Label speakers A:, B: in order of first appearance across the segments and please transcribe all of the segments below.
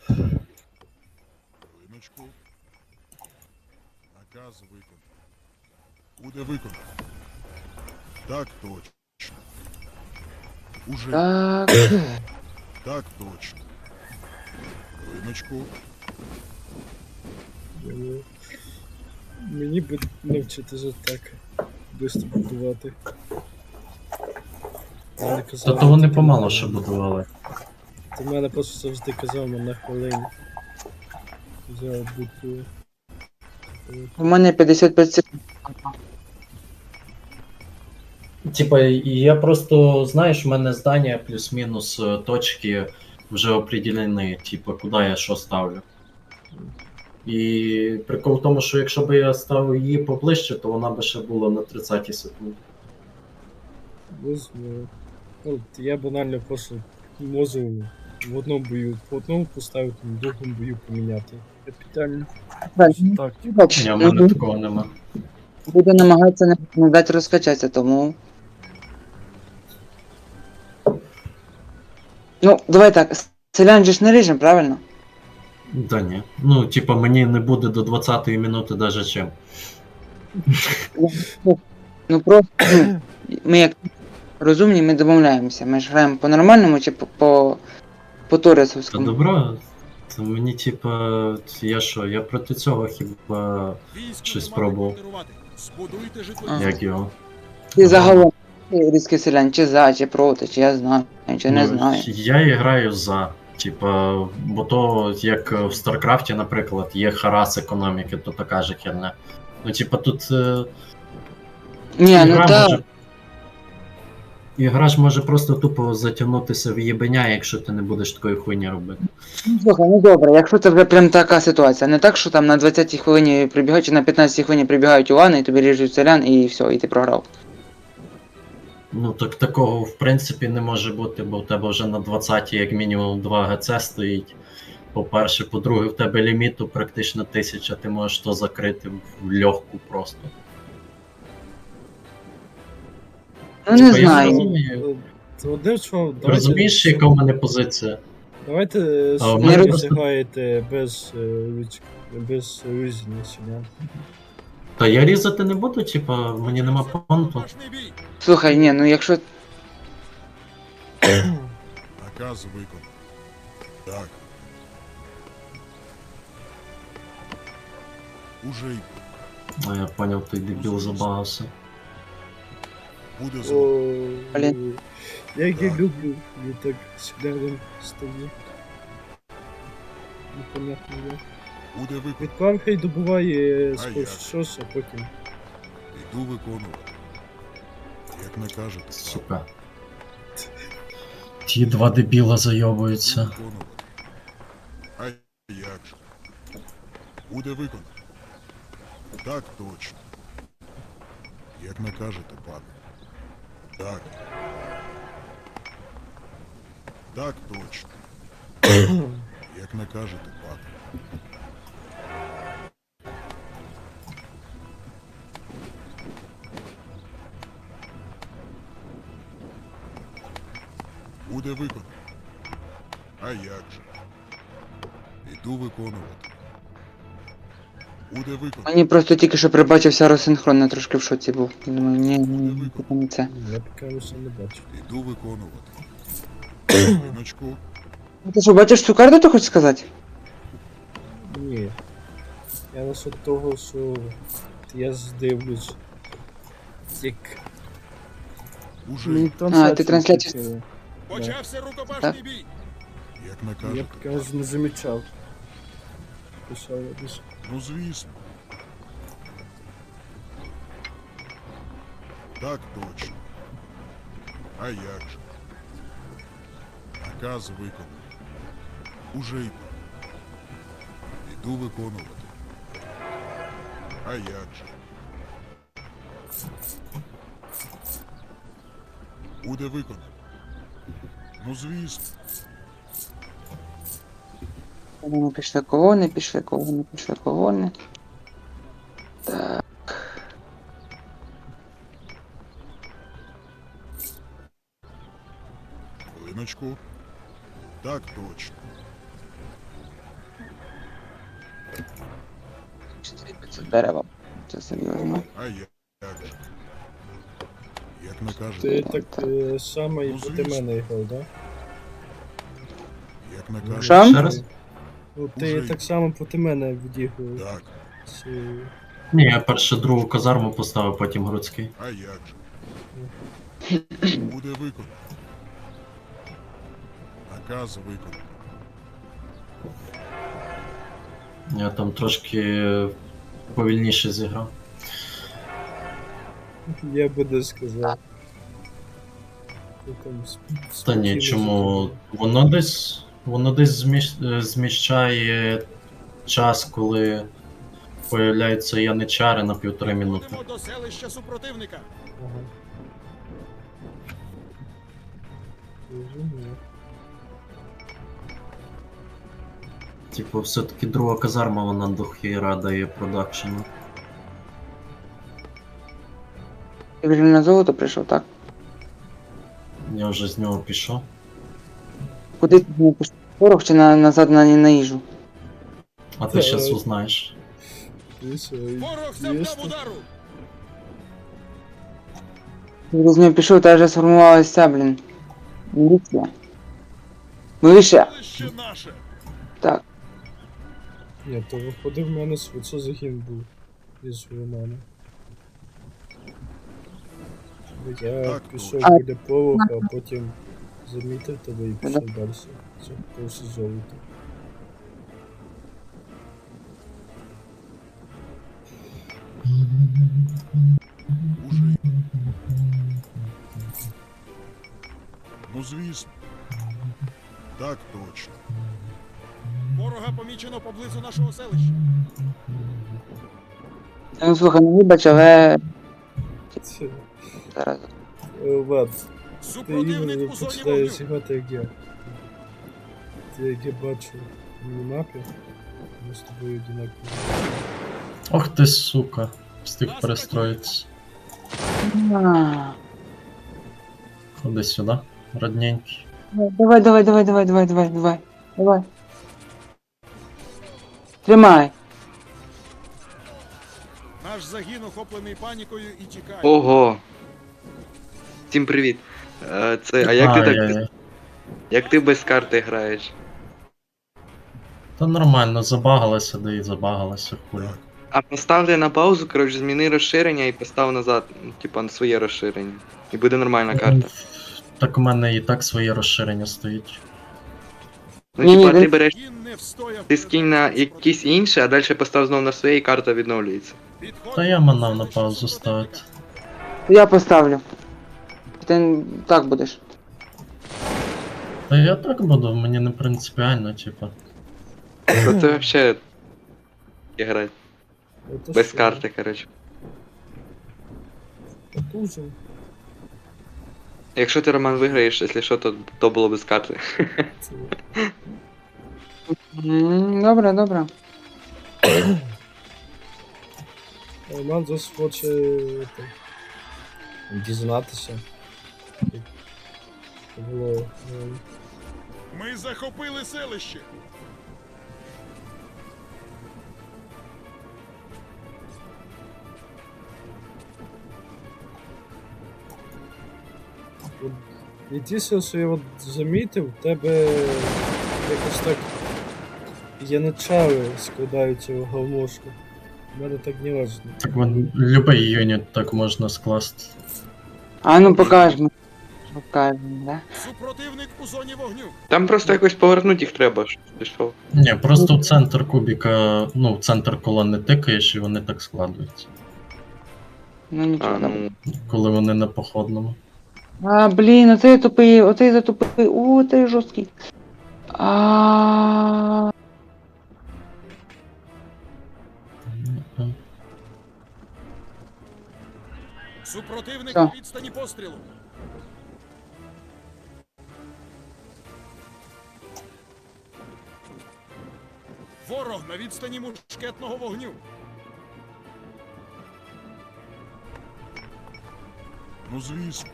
A: Хвилиночку. Наказ виконано. Буде виконано. Так точно. Уже.
B: Так.
A: Так точно. Хвилиночку.
C: Мені би навчитися так швидко будувати. Мене казали,
D: Та вони
C: тільки
D: помало
C: на
D: що
C: хвилину.
D: будували.
C: Ти мене просто завжди казав на хвилині. Взяв букву.
B: У мене 55 секунд.
D: Типа, я просто, знаєш, в мене здання плюс-мінус точки вже определені, типа, куди я що ставлю. І прикол в тому, що якщо б я ставив її поближче, то вона би ще була на 30 секунді.
C: Возьму. От я банально просто можу в одному бою по одному поставити, в другому бою поміняти. Капітально. Так.
D: Ні, в мене такого нема.
B: Буду намагатися не дати розкачатися, тому. Ну, давай так, селян же ж не ріжем, правильно?
D: Да ні. Ну, типа, мені не буде до 20-ї минути даже чим.
B: Ну просто, ну, ми як розумні, ми домовляємося. Ми ж граємо по-нормальному чи по
D: Та
B: Торесовському?
D: добро, то мені, типа, я що, я проти цього хіба щось пробував.
A: Збудуйте житло.
B: Ага.
D: Як його?
B: Ти загалом різкий селян, чи за, чи проти, чи я знаю, чи не знаю.
D: Я і граю за. Типа, бо то, як в Старкрафті, наприклад, є харас економіки, то така же херня. Ну, типа, тут
B: Ні, ну
D: ігра
B: так.
D: може. Ігра ж може просто тупо затягнутися в єбеня, якщо ти не будеш такої хуйні робити.
B: Ну, слухай, ну добре, якщо це вже прям така ситуація, не так, що там на 20-й хвилині прибігають, чи на 15-й хвилині прибігають Улани, і тобі ріжуть селян, і все, і ти програв.
D: Ну так такого в принципі не може бути, бо в тебе вже на 20-й як мінімум 2 ГЦ стоїть. По-перше, по-друге, в тебе ліміту практично 1000, ти можеш то закрити в легку просто.
B: Ну не
D: Типа, я не
B: знаю.
D: розумію.
C: Одним словом,
D: Розумієш, яка в мене позиція?
C: Давайте
D: А, в
B: мене
C: самі
B: просто-
C: зіграєте без різні селян.
D: Та я різати не буду, типа, мені нема понту.
A: Рукопашний бій.
B: Слухай, ні, ну якщо.
A: Наказ виконано. Так. Уже й
D: А я поняв, той дебіл забагався.
A: буде
C: О,
A: зроблено.
B: Блін.
C: як я люблю, я так селянам стою. Непонятно як.
A: Буде виконано.
C: Відправ хай добуває
A: А
C: спершу
A: як?
C: щось, а потім.
A: Іду виконувати. Як накажете.
D: Сука. Ті два дебіла
A: Іду
D: зайобуються.
A: виконувати. А як же? Буде виконано. Так точно. Як накажете, пане. Так. Так точно. Як накажете, пане. Буде виконано. А як же? Іду виконувати. Буде виконано.
B: Мені просто тільки що прибачився розсинхрон, я трошки в шоці був. Думаю, ні, типу не це.
C: Я поки ще не бачу.
A: Іду виконувати. Хвилиночку.
B: Ну, ти що, бачиш цю карту, ти хочеш сказати?
C: Ні. Я насчет того, що я здивлюсь. Як
A: Уже
C: мені
A: йду.
B: ти трансляцію-
C: включили.
A: Почався рукопашний бій. Як
C: Я
A: накажете.
C: поки аж не замічав. Писав я десь.
A: Ну звісно. Так точно. А як же? Наказ виконано. Уже йду. Іду виконувати. А як же? Буде виконано. Ну звісно.
B: Колони пішли колони, пішли колони, пішли колони. Так.
A: Хвилиночку. Так точно.
B: дерева. Це серйозно.
A: А як же? Як накажете,
C: Ти так само і
A: Ну,
C: проти
A: звісно.
C: мене грав, да?
A: як накажете.
B: Що?
D: Ще раз?
C: Ну, ти
A: Уже.
C: так само проти мене відіграв.
A: Так,
C: Чи...
D: Ні, я перше другу казарму поставив, потім Грудський.
A: а як же? Буде виконано. Наказ виконано.
D: Я там трошки повільніше зіграв.
C: Я би не сказав. Ти там
D: Та ні,
C: спокійно
D: чому?
C: зіграв.
D: Воно десь зміщає час, коли появляються яничари на 1,5 минути.
E: Ходимо до селища супротивника.
C: Ага. Розумію.
D: Типу, все-таки друга казарма, вона до хіра дає продакшену.
B: Ти вже на золото прийшов, так?
D: Я вже з нього пішов.
B: Куди ти не пішов? Порох чи назад на їжу?
D: А ти щас узнаєш.
C: Ти що,
E: Ворог
C: є
E: завдав
C: що?
E: удару.
B: Ти з нього пішов, та вже сформувалася, блін. Міліція. Вище.
E: Селище наше.
B: Так.
C: Ні, то виходив в мене свицо загін був із Романа. Я
A: Так,
C: пішов
B: точно.
C: біля полога, а потім замітив тебе і пішов далі. Це просто золото.
A: Уже. Ну звісно. Так точно.
E: Ворога помічено поблизу нашого селища.
B: Ну слухай, ну вибач, але
C: Це,
B: зараз.
C: Влад, ти
E: Супротивник
C: іменно
E: у зоні
C: починаєш
E: вогню.
C: грати як я. Ти як я бачу в мінімапі, ми з тобою одинакові.
D: Ох ти, сука, встиг перестроїтися.
B: А,
D: Ходи сюди, родненький.
B: Давай. Тримай.
E: Наш загін охоплений панікою і тікає.
F: Ого. Всім привіт. А як ти так
D: Ай-яй-яй.
F: як ти без карти граєш?
D: Та нормально, забагалася, да і забагалася, хуй.
A: Так.
F: А поставте на паузу, коротше, зміни розширення і постав назад, ну, типа на своє розширення. І буде нормальна карта.
D: Так у мене і так своє розширення стоїть.
F: Ну,
B: Ні,
F: типа,
B: ні,
F: ти
B: він-
F: береш,
E: Загін не встояв.
F: ти скинь на
E: перед атакою
F: якісь інші, а далі постав знову на своє і карта відновлюється.
E: Підходимо
D: Та я
E: до
D: манав на
E: селища
D: паузу
E: супротивника.
D: ставити.
B: Я поставлю. Ти так будеш.
D: Та я так буду, мені не принципіально, типа.
F: То це взагалі грати.
C: Це
F: Без
C: що?
F: карти, коротше.
C: Потужен.
F: Якщо ти Роман виграєш, якщо що, то було без карти.
C: Це...
B: Добре.
C: Роман зараз хоче это, дізнатися. Як було.
E: Ми захопили селище.
C: Єдине, що я от замітив, в тебе якось так яничари складаються в говношку. У мене так не важно.
D: Так вон, любий юніт так можна скласти.
B: А ну покажемо. Покажемо, да?
E: Супротивник у зоні вогню.
F: Там просто якось повернути їх треба, щоб пішов.
D: Ні, просто в центр кубіка, ну, в центр колони тикаєш і вони так складуються.
B: Ну нічого.
F: А,
B: добре.
F: ну,
D: Коли вони на походному.
B: А, блін, оцей тупий, оцей затупий. О, цей жорсткий. А,
E: Супротивник
B: Що?
E: на відстані пострілу. Ворог на відстані мушкетного вогню.
A: Ну звісно.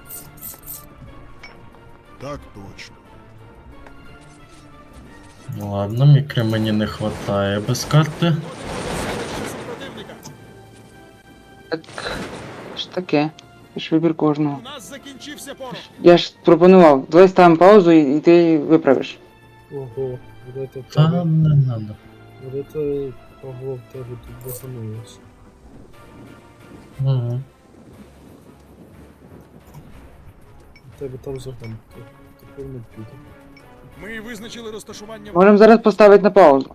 A: Так точно.
D: Ладно, мікри мені не хватає без карти.
E: Підходимо до селища супротивника.
B: Так, що таке? Це ж вибір кожного.
E: У нас закінчився порох.
B: Я ж пропонував, давай ставимо паузу і ти виправиш.
C: Ого, вот это
D: Та
C: тебе.
D: не надо.
C: Вот это Павло в тебе тут баханулось.
D: Угу.
C: У тебе там загон. Тепер не піде.
E: Ми визначили розташування
B: Можемо зараз поставити на паузу.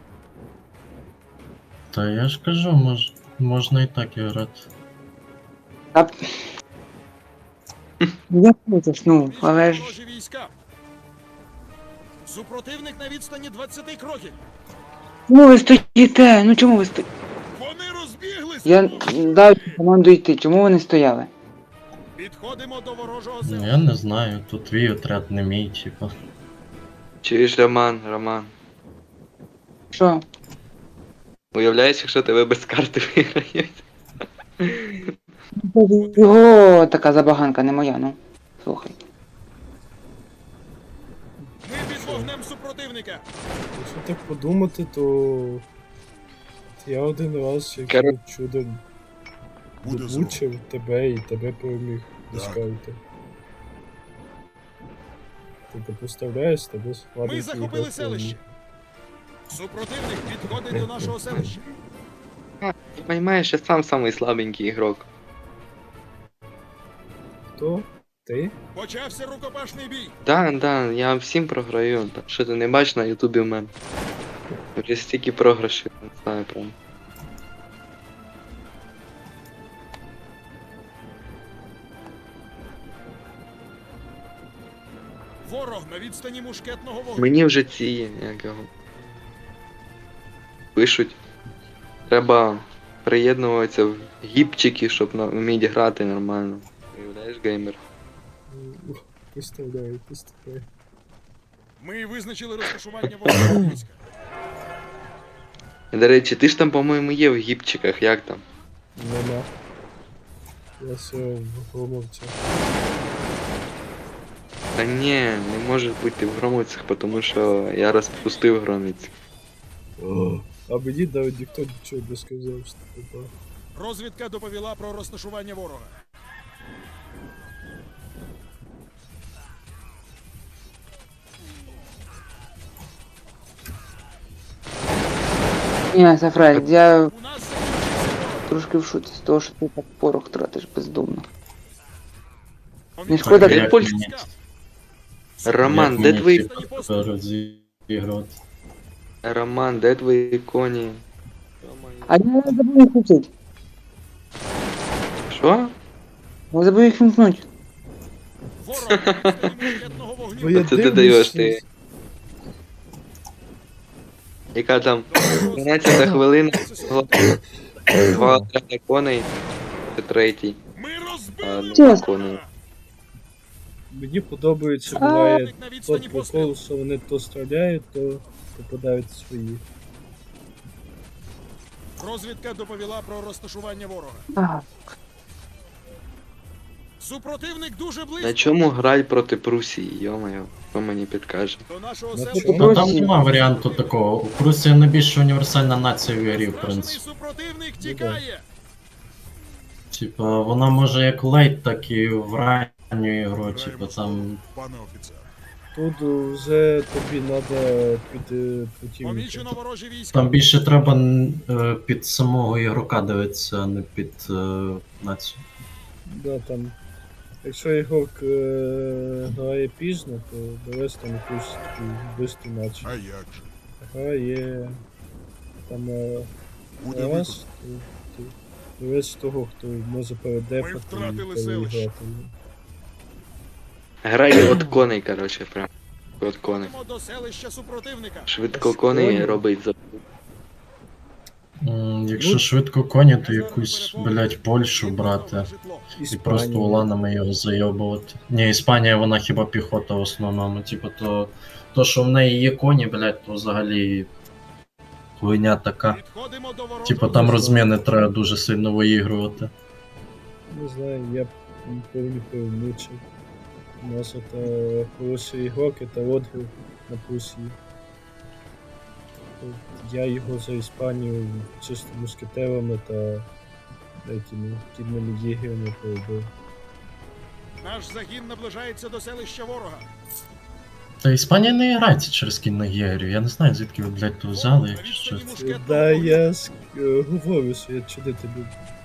D: Та я ж кажу, можна і так грати.
B: Та... Я хочеш, ну, але ж...
E: ворожі війська. Супротивник на відстані 20 кроків.
B: Чому ви стоїте? Ну чому ви стоїте?
E: Вони розбіглися.
B: Я дав команду йти, чому ви не стояли?
E: Підходимо до ворожого
D: Ну,
E: села.
D: я не знаю, тут твій отряд не мій, типа.
F: Чуєш, Роман.
B: Що?
F: Уявляєш, якщо тебе без карти виграють?
B: Його така забаганка, не моя, ну. Слухай.
E: Ми під вогнем супротивника.
C: Якщо так подумати, то я один раз як
F: Кер-
C: чудом
A: Буде
C: влучив тебе і тебе переміг до
A: Так.
C: скаута. Ти поставляєш, тебе
E: Ми
C: схватить
E: захопили селище. Супротивник підходить до нашого селища.
F: Ти розумієш, я сам самий слабенький ігрок.
C: Хто? Ти?
E: Почався рукопашний бій.
F: Да, я всім програю. Та що ти не бачиш на ютубі в мене? Вже стільки програшів, не знаю прям.
E: Ворог на відстані мушкетного вогню.
F: Мені вже ці, як його. Пишуть. Треба приєднуватися в гіпчики, щоб вміти грати нормально. Уявляєш, геймер?
C: Поставляю.
E: Ми визначили розташування ворожого війська.
F: І, до речі, ти ж там, по-моєму, є в гіпчиках, як там?
C: Нема. Я все в громовця.
F: Та ні, не може бути в громицях, тому що я розпустив громиць.
C: А мені навіть ніхто нічого не сказав, що типа.
E: Розвідка доповіла про розташування ворога.
B: Ні, Сафрель, я
E: У нас закінчився порох.
B: трошки в шоці з того, що ти так порох тратиш бездумно.
E: Помічено
B: шкода,
E: ворожі
F: як
E: війська.
D: мені-
F: Роман,
D: Як
F: де
D: мені,
F: твої...
D: типа, розігрувати?
F: Роман, де твої коні?
B: А я забув їх включити.
F: Що?
B: Я забув їх вімкнути.
E: Ворог на відстані мушкетного
C: Бо
E: вогню.
C: я
F: Це ти
C: дивлюсь,
F: даєш, ти. Яка там? 12 хвилина, два отряди коней, це третій.
E: Ми
F: А,
E: розбили
F: ну,
B: Чесно.
F: коней.
C: Мені подобається, буває
E: Противник на відстані
C: тот
E: пострілу.
C: прикол, що вони то стріляють, то попадають свої.
E: Розвідка доповіла про розташування ворога.
B: Ага.
E: Супротивник дуже
F: На
E: близько.
F: чому грай проти Прусії, йо-моє, хто мені підкаже?
E: До нашого
C: На
E: селища.
C: чому?
D: Та там
B: Прусія.
D: нема варіанту такого. У Прусія найбільш універсальна нація в грі, в
E: Страшний
D: принципі.
E: супротивник тікає.
D: Типа, вона може як лейт, так і в ранню ігру,
A: Граємо
D: типа
A: слово,
D: там.
A: пане офіцер.
C: Тут вже тобі треба піти противника.
E: Помічено ворожі війська.
D: Там більше треба під самого ігрока дивитися, а не під націю.
C: Да, там. Якщо ігрок грає пізно, то довести там якусь таку бистру наче.
A: А як же?
C: Грає там
A: Буде
C: раз,
A: виконано.
C: довести того, хто може передефати
E: Ми втратили
C: і
E: селище.
C: переіграти.
F: Грай от коней, коротше, прям. От коней.
E: Йдемо до селища супротивника.
F: Швидко коней робить за...
D: Якщо
C: Ну,
D: швидко коні, то
E: Резерви
D: якусь,
E: переповнені.
D: блять, Польщу
E: Підготовлено
D: брати.
E: житло.
D: І просто уланами його зайобувати. Ні, Іспанія, вона хіба піхота в основному. Типу, то, що в неї є коні, блять, то взагалі хуйня така.
E: Підходимо до ворожого
D: Типу там
E: війська.
D: розміни треба дуже сильно виігрувати.
C: Не знаю, я повні перемучив. У нас это хороший ігрок, это Одгу на Прусії. Я його за Іспанію чисто мушкетерами та Якими кідними єгерами побив.
E: Наш загін наближається до селища ворога.
D: Та Іспанія не грається через кінних єгерів. Я не знаю, звідки ви, блядь, то взяли,
E: На
D: якщо
E: відстані
D: що.
E: мушкетного
C: Да,
E: вогню.
C: я говорю, що я чудити люблю.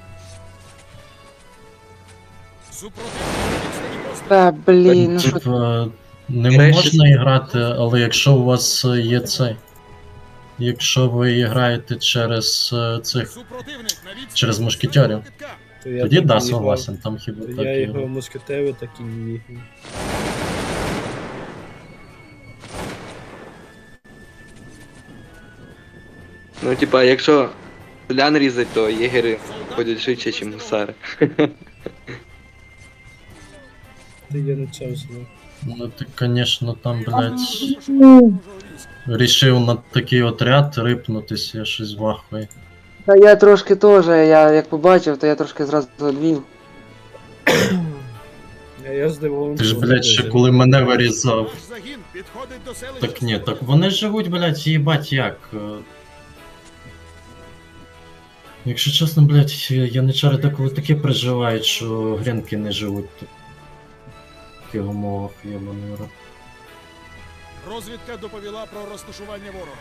E: Супротивник на відстані пострілу.
B: Та блін, ну що
D: Типа, не
F: Граєш
D: можна грати, але якщо у вас є цей. Якщо ви граєте через цих.
E: Супротивник на відстані
D: Через
E: пострілу
D: мушкетерів.
E: кидка.
C: То я
D: Тоді
C: так
D: да,
C: і
D: согласен, там хіба
C: грав.
D: так
C: Я
D: і
C: його
D: грав.
C: мушкетери, так і не єгер.
F: Ну, типа, якщо селян різать, то єгери ходять швидше, ніж гусари.
C: Ти я не чав знав.
D: Ну ти, конечно, там, блядь,
E: Розташування ворожого війська.
D: рішив на такий отряд рипнутись, я щось вахую.
B: Та я трошки теж, я як побачив, то я трошки зразу одвів.
C: А я здивований.
D: Ти ж,
C: що вони
D: блядь, ще
C: вижили.
D: коли мене вирізав.
E: Наш загін підходить до селища.
D: Так ні, так
E: супротивника.
D: вони живуть, блядь, їбать як. Якщо чесно, блядь, яничари деколи таке переживають, що гренки не живуть тут. В таких умовах, єбаний рот.
E: Розвідка доповіла про розташування ворога.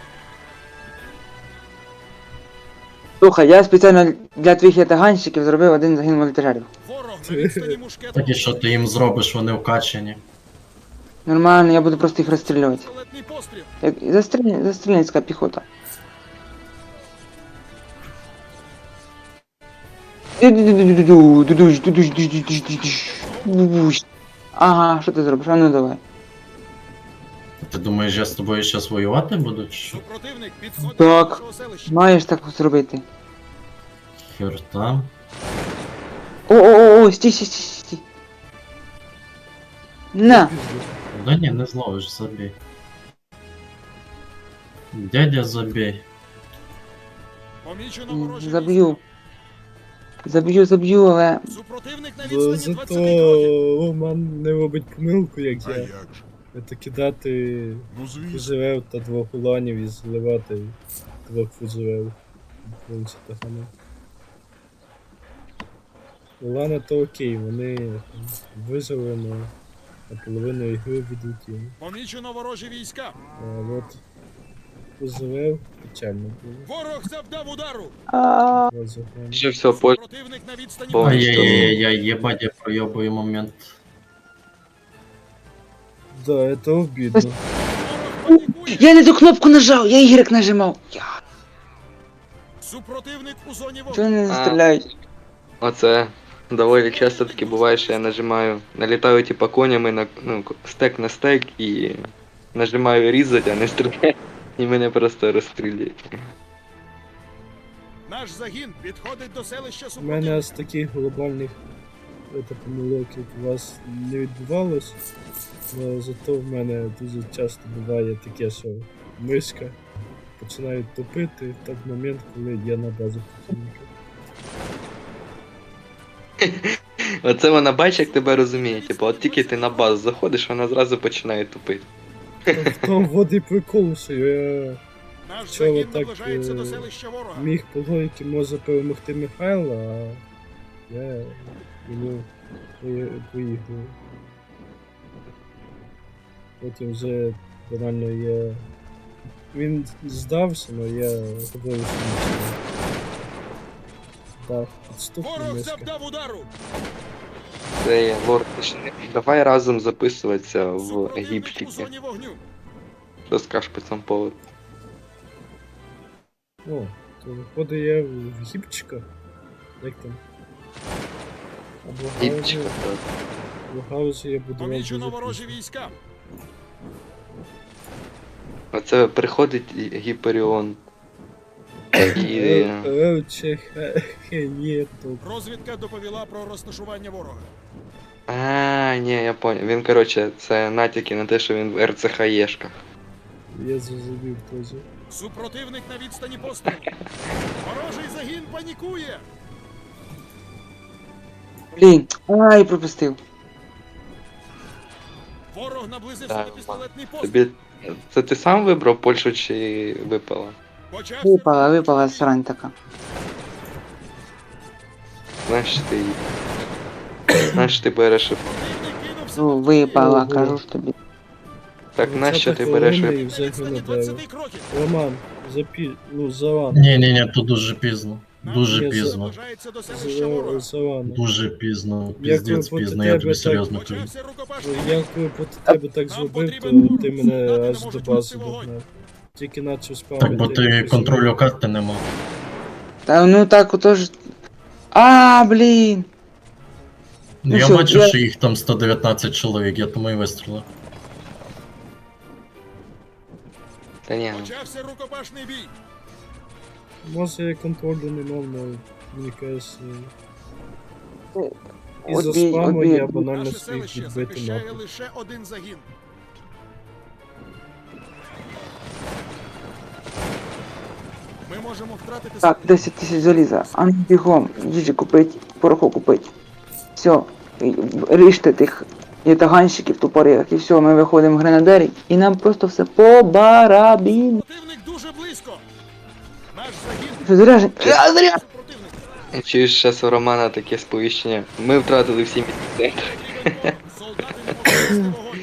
B: Слухай, я спеціально для твоїх ятаганщиків зробив один загін волонтерів.
E: Ворог на відстані мушкетного
D: Так і що ти їм зробиш, вони вкачені.
B: Нормально, я буду просто їх розстрілювати.
E: пістолетний постріл.
B: Як застрільницька піхота. Ага, що ти зробиш? А ну давай.
D: Ти думаєш, я з тобою зараз воювати буду? Чи що?
E: Супротивник підходить
B: Так.
E: до нашого селища.
B: Маєш так зробити.
D: Хер там.
B: О, стій. На!
D: Да ні, не зловиш, забій. Дядя, забій.
E: Помічено ворожі
B: Заб'ю. Заб'ю, але...
E: війська. Супротивник на
C: Бо
E: відстані
C: зато
E: 20 кроків.
C: Роман не робить помилку, як
A: А
C: я.
A: як же?
C: Це кидати
A: Ну звісно.
C: фужерев та двох уланів і зливати двох фужерев. Вулиця Тахана. Улани то окей, вони там вижили на половину ігри ведуть.
E: Помічено ворожі війська.
C: А от фужерев печально було.
E: Ворог завдав удару.
C: Розіграно.
F: Ще все, по...
E: Супротивник на відстані
F: Ой,
D: Ай-яй-яй-яй, єбать, я пройобую момент.
C: Да, это обидно.
E: Ворог панікує.
B: Я не ту кнопку нажав, я Y нажимав.
E: Супротивник у зоні
B: Чого
E: вогню.
B: вони не стріляють?
F: Оце доволі часто таки буває, що я нажимаю, налітаю типа конями на стек на стек і нажимаю різать, а не стріляю. І мене просто розстрілюють.
E: Наш загін підходить до селища
C: У
E: супротивника.
C: мене з таких глобальних помилок, як у вас не відбувалось, але зато в мене дуже часто буває таке, що мишка починає топити в той момент, коли я на базі противника.
F: Оце вона бачить, як тебе розуміє. Типу, от тільки ти на базу заходиш, вона зразу починає тупити.
C: В тому води прикол, що я
E: Наш
C: Чого
E: загін
C: так,
E: наближається до селища ворога.
C: міг по логіки може перемогти Михайла, а я йому поїхав. Потім вже банально я. Він здався, але я подивився на це. Так, підступна
E: Ворог
C: мишка.
E: завдав удару.
F: Це є лорд. Давай разом записуватися в
E: Супротивник у
F: гіпчики.
E: зоні вогню.
F: Що скажеш по цьому поводу?
C: О, то виходить я в гіпчика. Як там? Або
F: Гіпчика,
C: гаузі.
F: так.
C: В гаузі я буду
E: Помічено ворожі війська.
F: Оце приходить Гіперіон. І...
C: Рече хеєту.
E: Розвідка доповіла про розташування ворога.
F: А, ні, я понял. Він, коротше, це натяки на те, що він в РЦХЄшках.
C: Я зрозумів теж.
E: Супротивник на відстані пострілу. Ворожий загін панікує.
B: Блін, ай, пропустив.
E: Ворог наблизився
F: Так,
E: до пістолетний постріл.
F: Тобі... Це ти сам вибрав Польщу чи випала?
E: Почався
B: Випала срань така.
F: Знаєш ти її. Знаєш ти береш.
B: Ну, випала,
C: Ого.
B: кажу ж тобі.
F: Так нащо ти береш?
C: і вже гранатаю.
E: 20 кроків.
C: Роман, ну, Заван.
D: Ні, тут дуже пізно.
E: Нам
D: Дуже
C: Ні,
D: пізно.
E: наближається до селища ворога.
C: Заван.
D: Дуже пізно.
C: Як
D: Піздець
C: ви
D: пізно,
C: проти
D: я
C: тебе
D: тобі
C: так-
D: серйозно кажу.
E: Почався рукопашний
C: Я
E: бій.
C: коли проти тебе так
E: Нам
C: зробив, то
E: потрібен
C: ти
E: бур.
C: мене
E: Солдати
C: аж
E: не
C: до
E: можуть
C: бази
E: вести вогонь.
C: догнав. Тільки начав спавнити.
D: Так, бо ти
C: якось
D: контролю карти нема.
B: Та ну так отож. А, блін. Ну
D: Я
B: що,
D: бачу,
B: я-
D: що їх там 119 чоловік, я тому і вистрілив.
F: Та ні, ну.
E: Почався рукопашний бій.
C: Може я контролю не мав, але мені кажеться. Із-за
B: Одбій,
C: спаму
B: одбій.
C: я банально
E: Наше
C: свій
E: селище
C: відбити
E: захищає
C: нахуй.
E: лише один загін. Ми можемо втратити
B: Так,
E: селище.
B: 10 тисяч заліза. А ну бігом, їжі купить, пороху купить. Все, ріжте тих ятаганщиків тупорих, і все, ми виходимо в гренадері, і нам просто все по барабіну.
E: Противник дуже близько. Наш загін
B: Що заряжен? Заряжен!
E: супротивник.
F: Чуєш, зараз у Романа таке сповіщення. Ми втратили всі місця.
E: Потрібен бор. Солдати не можуть вести вогонь.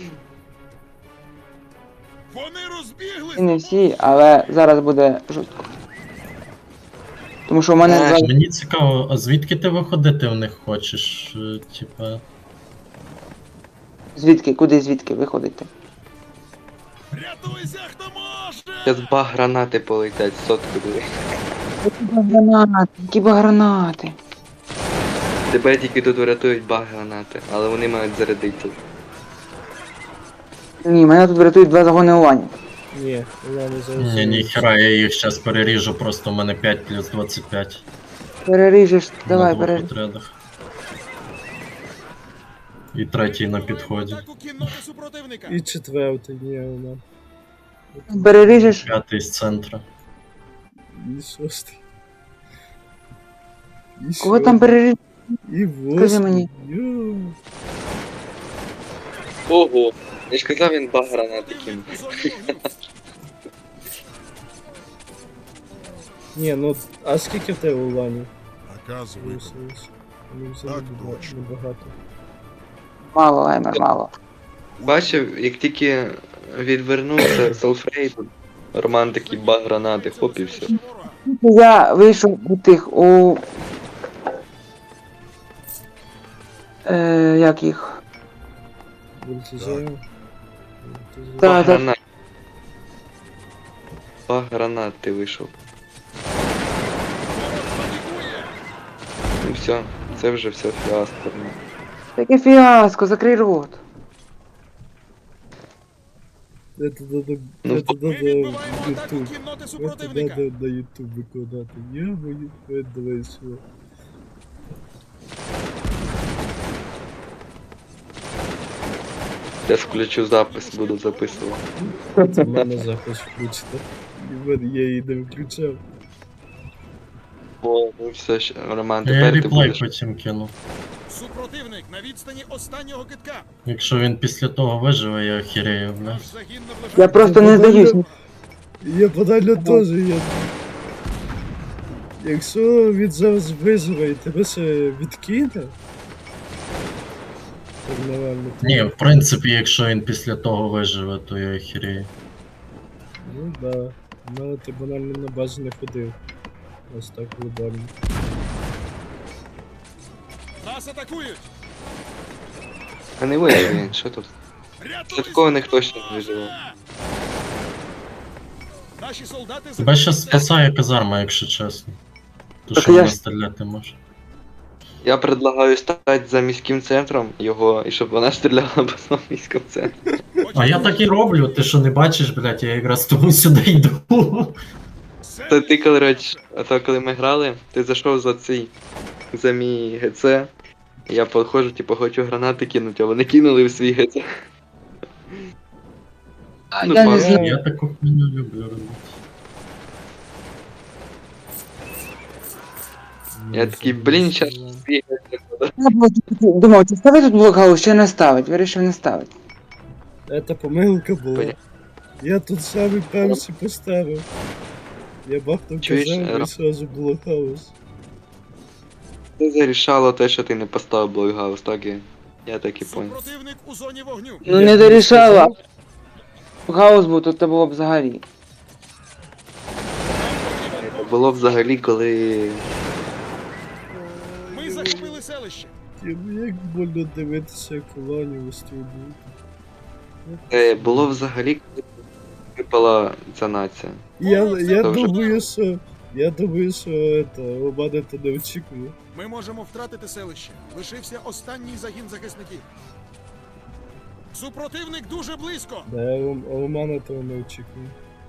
E: Вони розбіглись.
B: І не всі, але зараз буде жорстко. Тому що в мене зараз...
D: Мені цікаво, а звідки ти виходити в них хочеш? Типа.
B: Звідки? Куди звідки виходите?
E: Рятуйся, хто може.
F: Зараз баг гранати полетять, сотку диви.
B: Які ба гранати.
F: Тебе тільки тут врятують баг гранати, але вони мають зарядити.
B: Ні, мене тут врятують 2 загони уланів.
C: Ні, ладно, зараз.
D: Ні, ніхера, я їх зараз переріжу, просто у мене 5 плюс 25.
B: Переріжеш, давай,
D: на двох
B: переріж.
D: отрядах. І третій на підході.
E: Атаку кінноти супротивника.
C: І четвертий, ні, вона.
B: Переріжеш.
D: П'ятий з центра.
C: І шостий. І
B: Кого
C: сьомий.
B: там переріж?
C: І
B: Скажи
C: восьмий.
B: мені.
C: Йо.
F: Ого! Я ж казав, він баг гранати кинув.
E: Противник у зоні вогню.
C: Ні, ну, а скільки в тебе уланів?
A: Наказ виконано.
C: Виявилось? Ну,
A: Так
C: взагалі
A: точно.
C: небагато.
B: Мало, Лаймер, мало.
F: Бачив, як тільки відвернувся Солфрейд, Роман такий баг гранати, хоп і все.
B: Я вийшов у тих, у... як їх?
C: Вольтежаю.
B: Так.
F: Баг гранат. Баг гранат ти вийшов. Ну все, це вже все фіаско.
B: Таке фіаско, закрий рот.
C: Это надо,
F: Ну,
C: это
E: Ми
C: надо
E: відбиваємо
C: в
E: атаку
C: YouTube.
E: кінноти
C: Это
E: супротивника.
C: надо на YouTube викладати. Я мою давай сюди.
F: Я включу запис, буду записувати.
C: Це в мене запис включити. І в мене я її не виключав.
F: О, ну все, Роман,
D: Я
F: тепер ти
D: реплей
F: будеш.
D: потім кину.
E: Супротивник на відстані останнього китка.
D: Якщо він після того виживе, я охерею, бля.
E: Наш загін наближається.
B: Я просто не здаюсь.
C: Я банально теж я. Якщо він зараз виживе і тебе ще відкине. Так нормально.
D: Ні, в принципі, якщо він після того виживе, то я охерею.
C: Ну да. Ну ти банально на базі не ходив. Ось так глобально.
E: Нас атакують.
F: А не вижив він, що тут?
E: Рятуйся,
F: такого ніхто
E: хто
F: ще не
E: може.
F: виживе.
E: Наші солдати
D: Тебе щас
E: захищають
D: спасає казарма, якщо чесно. То
B: Так
D: що
B: я
D: вона
B: ж-
D: стріляти може.
F: Я предлагаю стати за міським центром його, і щоб вона стріляла по своєму міському центру.
D: А я так і роблю, ти що не бачиш, блядь, я якраз тому сюди йду.
F: Та ти, коротше, а то коли ми грали, ти зайшов за мій ГЦ, я підходжу, типу, хочу гранати кинути, а вони кинули в свій ГЦ. Ну,
B: Я не
F: пан-
B: знаю.
D: Я таку хуйню люблю робити.
F: Я такий, блін, щас свій ГЦ.
B: Я думав, чи ставить тут блокгаус, чи не ставить. Вирішив не ставити.
C: Это помилка була.
F: Понятно.
C: Я тут самий перший поставив. Я бахнув
F: Чуєш,
C: казав і
F: Ро-
C: сразу блокаус.
F: Це зарішало те, що ти не поставив блокгаус, так я так і понял.
E: Супротивник у зоні вогню.
B: Ну
C: Я
B: не
C: тобі
B: дорішала.
C: сказав.
B: Гаус був, то було б взагалі.
F: Було взагалі, коли
E: Ми захопили селище.
C: Ну як больно дивитися, як колонію вистрілюють.
F: було взагалі, коли випала ця нація.
C: Я
F: Добре.
C: думаю, що это, Романе то не очікує.
E: Ми можемо втратити селище. Лишився останній загін захисників. Супротивник дуже близько.
C: Да, Романа того не очікує.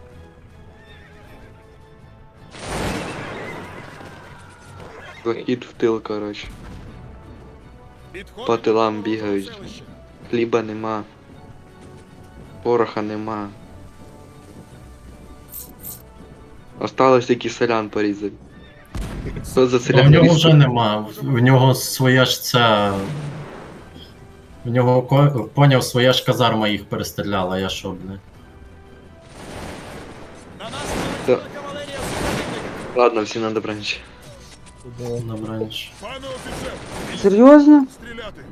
F: Захід в тил, коротше.
E: Підходимо
F: По тилам
E: до
F: бігають.
E: селища.
F: Хліба нема. Пороха нема. Осталось тільки селян порізати. Хто за
D: Ну, в
F: селян
D: нього
F: різав?
D: вже нема. В нього своя ж ця. В нього поняв, своя ж казарма їх перестріляла, я що, бля.
E: На нас
F: Та-
E: налетіла кавалерія супротивника.
F: Ладно, всім на добраніч.
C: Да.
D: Добраніч.
E: Пане офіцер,
B: Серйозно?
E: стріляти.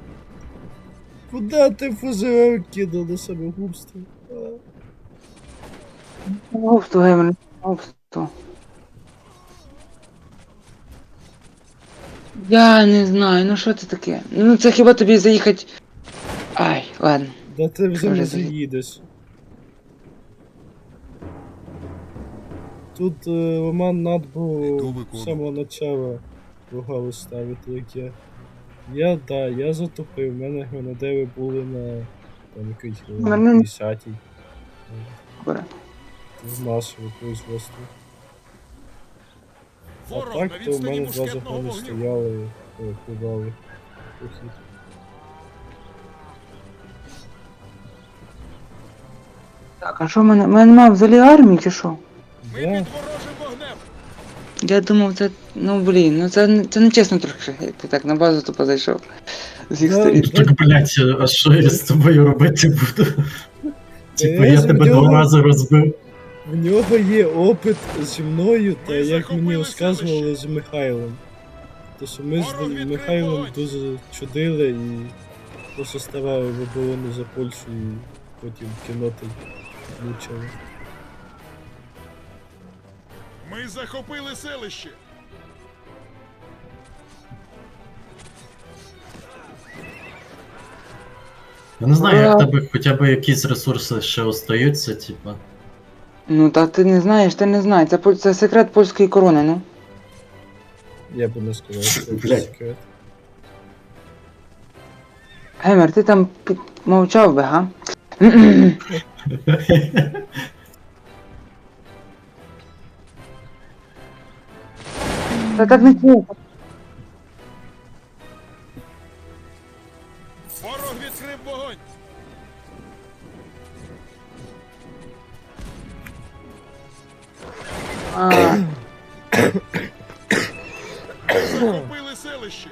C: Куда ти фузером кинув на самогубство? А?
B: Губство, Геймер, губство. Я не знаю, ну що це таке? Ну це хіба тобі заїхати. Ай, ладно.
C: Да ти вже
B: Дуже
C: не
B: заїд.
C: заїдеш. Тут Роман над
A: Іду
C: був з
A: виконую.
C: самого начала ругали ставити, як я. Я затопив, в мене гранадери були на там якийсь
B: Мене-
C: 50-й.
B: Добре.
C: З нашого производства. А
E: Ворог
C: так,
E: на
C: то в
E: відстані
C: мене два
E: мушкетного
C: загони
E: вогню.
C: стояли, перекривали похід.
B: Так, а що в мене? В мене немає взагалі армії чи що?
E: Ми
C: Да,
E: під ворожим вогнем.
B: Я думав, це. Ну блін, ну це не чесно трохи. Ти так на базу тупо зайшов. З їх
C: Да,
B: сторін.
D: Так, блять, а що я з тобою робити буду? Типа,
C: я
D: я
C: ж
D: тебе
C: в нього-
D: 2 рази розбив.
C: в нього є опит зі мною, та
E: Ми
C: як
E: захопили
C: мені розказували
E: селище.
C: з Михайлом. То що ми
E: Ворог
C: з
E: відкрив
C: Михайлом
E: вогонь.
C: дуже чудили і просто ставали в оборону за Польщу і потім кінноти влучили.
E: Ми захопили селище.
D: Я не знаю, як в тебе хоча б якісь ресурси ще остаються, типа.
B: Ну та ти не знаєш, ти не знаєш. Це секрет польської корони, ну.
C: Я би не сказав, що це
D: Блядь.
C: секрет.
B: Геймер, ти там мовчав би, га? Та так не чесно.
E: Ворог відкрив вогонь.
B: А,
E: Захопили селище.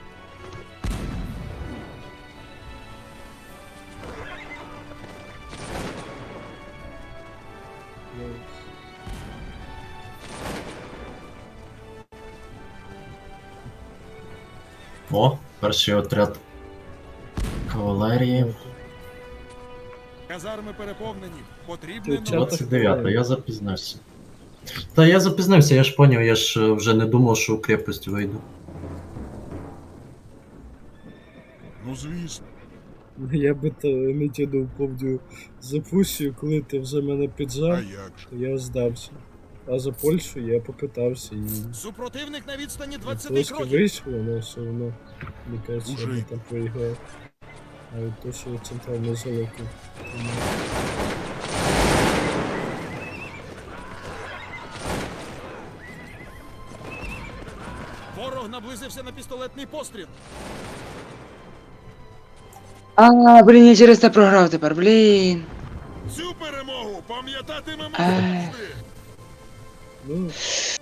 D: О, перший отряд кавалерії.
E: Казарми переповнені. Потрібне
C: Ти
E: нове.
C: чат-
D: 29, я запізнився. Та я запізнився, я ж поняв, я ж вже не думав, що у крепость вийду.
A: Ну звісно.
C: Я би то не тянув, помню, за Пруссію, коли ти вже мене
A: А
C: піджав,
A: як же?
C: то я здався. А за Польщу я попитався і
E: Супротивник на відстані 20
C: трошки
E: кроків.
C: вийшло, але все одно, мені кажеться, я
A: Уже
C: би
A: йду.
C: там проіграв. А от то, що центральний залоки.
E: Ворог наблизився на пістолетний постріл.
B: блін, я через це програв тепер, блін.
E: Цю перемогу пам'ятатимемо
B: Ай.
E: завжди.
C: Ну,